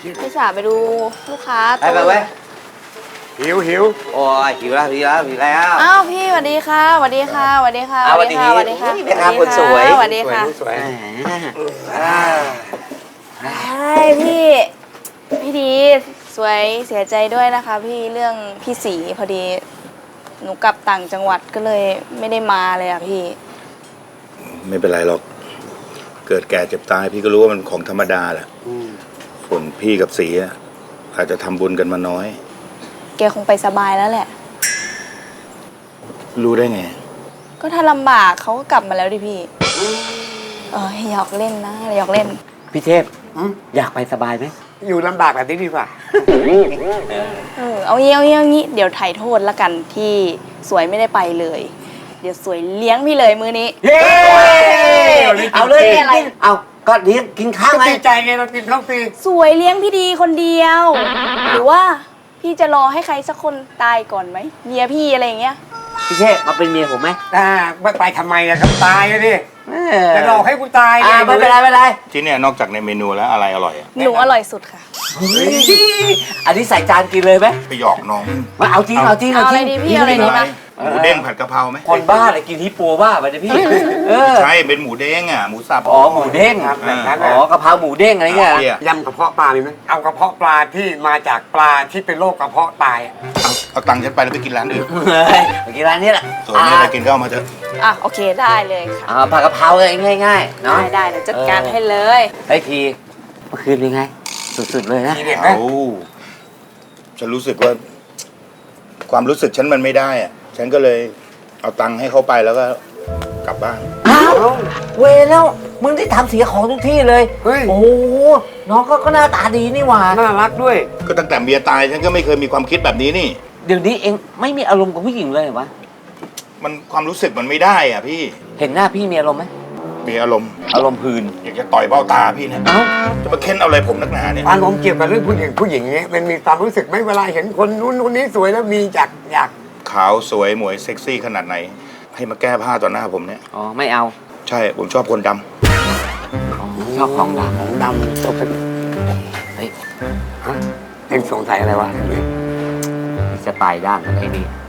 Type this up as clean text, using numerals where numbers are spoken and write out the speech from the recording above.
พี่สาวไปดูลูกค้าไปเว้ยหิวโอ้ยหิวแล้วอ้าวพี่สวัสดีค่ะสวัสดีค่ะสวัสดีค่ะสวัสดีสวัสดีค่ะแม่ค้าคนสวยสวัสดีค่ะสวยพี่ดีสวยเสียใจด้วยนะคะพี่เรื่องพี่สีพอดีหนูกลับต่างจังหวัดก็เลยไม่ได้มาเลยอะพี่ไม่เป็นไรหรอก เกิดแก่เจ็บตายพี่ก็รู้ว่ามันของธรรมดาแหละส่วนพี่กับสีอะอาจจะทำบุญกันมาน้อยแกคงไปสบายแล้วแหละรู้ได้ไงก็ถ้าลำบากเขาก็กลับมาแล้วดิพี่หยอกเล่นนะหยอกเล่นพี่เทพอยากไปสบายไหมอยู่ลำบากแบบนี้ดีกว่าเอางี้เดี๋ยวถ่ายโทษละกันที่สวยไม่ได้ไปเลย เดี๋ยวสวยเลี้ยงพี่เลยมื้อนี้เย้เอาเลยอะไรเอาก็เลี้ยงกินข้าวไงดีใจไงเรากินข้าวฟรีสวยเลี้ยงพี่ดีคนเดียว หรือว่าพี่จะรอให้ใครสักคนตายก่อนไหมเมียพี่อะไรอย่างเงี้ยพี่เทพมาเป็นเมียผมไหมไม่ไปทำไมนะครับตายเลยดิจะหลอกให้กูตายไงไม่เป็นไรที่เนี่ยนอกจากในเมนูแล้วอะไรอร่อยอะหนูอร่อยสุดค่ะอันนี้ใส่จานกินเลยไหมไปหยอกน้องมาเอาจริงเอาอะไรดีพี่เอาอะไรดีมาหมูเด้งผัดกะเพราไหมคนบ้าเลยกินฮิปโปบ้าไปเนี่ยพี่เออใช่เป็นหมูเด้งอ่ะหมูสับอ๋อหมูเด้งครับแบบนั้นอ๋อกะเพราหมูเด้งอะไรเงี้ยยำกระเพาะปลามีไหมเอากระเพาะปลาที่มาจากปลาที่เป็นโรคกระเพาะตายเอาตังค์ฉันไปแล้วไปกินร้านอื่นเฮ้ยเมื่อกี้ร้านนี้แหละส่วนนี้อะไรกินก็เอามาเถอะโอเคได้เลยค่ะผัดกะเพราเลยง่ายๆเนาะได้เดี๋ยวจัดการให้เลยไอ้ทีเมื่อคืนเป็นไงสุดๆเลยนะทีเด็ดไหมเอาฉันรู้สึกว่า ความรู้สึกฉันมันไม่ได้อ่ะฉันก็เลยเอาตังค์ให้เขาไปแล้วก็กลับบ้านอ้าวเวรแล้วมึงได้ทำเสียของทุกที่เลยเฮ้ยโอ้โหน้องก็หน้าตาดีนี่หว่าน่ารักด้วยก็ตั้งแต่เมียตายฉันก็ไม่เคยมีความคิดแบบนี้นี่เดี๋ยวนี้เองไม่มีอารมณ์กับผู้หญิงเลยเหรอวะมันความรู้สึกมันไม่ได้อ่ะพี่เห็นหน้าพี่มีอารมณ์ไหมมีอารมณ์อารมณ์พืนอยากจะต่อยเบ้าตาพี่นะเอ้าจะมาเค้นเอาอะไรผมนักหนาเนี่ยอารมณ์เกี่ยวกับเรื่องผู้หญิงเนี้ยมันมีความรู้สึกไหมเวลาเห็นคนนู้นคนนี้สวยแล้วมีอยากขาวสวยหมวยเซ็กซี่ขนาดไหน ให้มาแก้ผ้าต่อหน้าผมเนี่ยอ๋อไม่เอาใช่ผมชอบคนดำชอบของดของดำตกเป็นำเฮ้ยเอ็งสงสัยอะไรวะจะตายด้านกันไอ้นี่